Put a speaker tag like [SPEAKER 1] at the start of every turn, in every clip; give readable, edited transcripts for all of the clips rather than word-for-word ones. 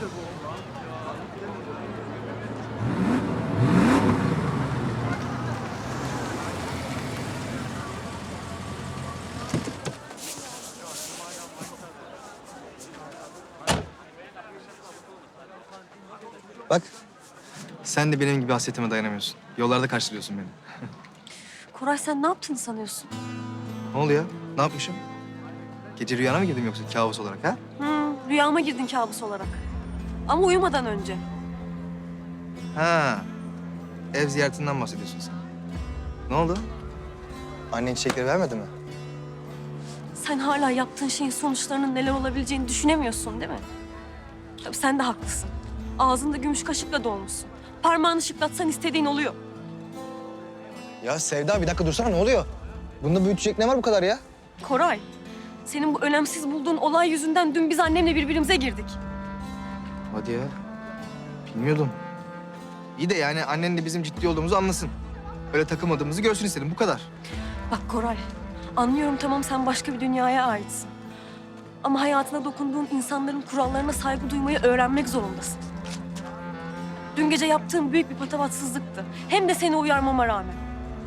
[SPEAKER 1] Bak, sen de benim gibi hasretime dayanamıyorsun. Yollarda karşılıyorsun beni.
[SPEAKER 2] Koray sen ne yaptığını sanıyorsun?
[SPEAKER 1] Ne oluyor? Ne yapmışım? Gece rüyana mı girdim yoksa kabus olarak ha?
[SPEAKER 2] Rüyama girdin kabus olarak. Ama uyumadan önce.
[SPEAKER 1] Ha, ev ziyaretinden bahsediyorsun sen. Ne oldu? Annen çiçekleri vermedi mi?
[SPEAKER 2] Sen hala yaptığın şeyin sonuçlarının neler olabileceğini düşünemiyorsun değil mi? Tabii sen de haklısın. Ağzında gümüş kaşıkla dolmuşsun. Parmağını şıklatsan istediğin oluyor.
[SPEAKER 1] Ya Sevda bir dakika dursana ne oluyor? Bunda büyütecek ne var bu kadar ya?
[SPEAKER 2] Koray, senin bu önemsiz bulduğun olay yüzünden dün biz annemle birbirimize girdik.
[SPEAKER 1] Hadi ya. Bilmiyordum. İyi de yani annen de bizim ciddi olduğumuzu anlasın. Öyle takılmadığımızı görsün istedim bu kadar.
[SPEAKER 2] Bak Koray, anlıyorum tamam sen başka bir dünyaya aitsin. Ama hayatına dokunduğun insanların kurallarına saygı duymayı öğrenmek zorundasın. Dün gece yaptığın büyük bir patavatsızlıktı. Hem de seni uyarmama rağmen.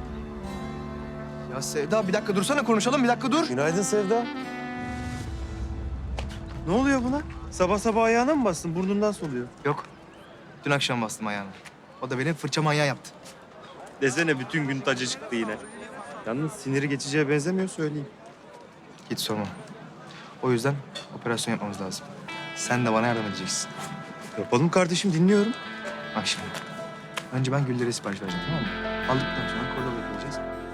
[SPEAKER 1] Ya Sevda bir dakika dursana konuşalım bir dakika dur.
[SPEAKER 3] Günaydın Sevda. Ne oluyor buna? Sabah sabah ayağına mı bastın? Burnundan soluyor.
[SPEAKER 1] Yok. Dün akşam bastım ayağına. O da benim fırça manyağı yaptı.
[SPEAKER 3] Desene bütün gün tacı çıktı yine. Yalnız siniri geçeceğe benzemiyor söyleyeyim.
[SPEAKER 1] Hiç sorma. O yüzden operasyon yapmamız lazım. Sen de bana yardım edeceksin.
[SPEAKER 3] Yapalım kardeşim dinliyorum.
[SPEAKER 1] Bak şimdi. Önce ben güllere sipariş vereceğim tamam mı? Aldıktan sonra kola koyacağız.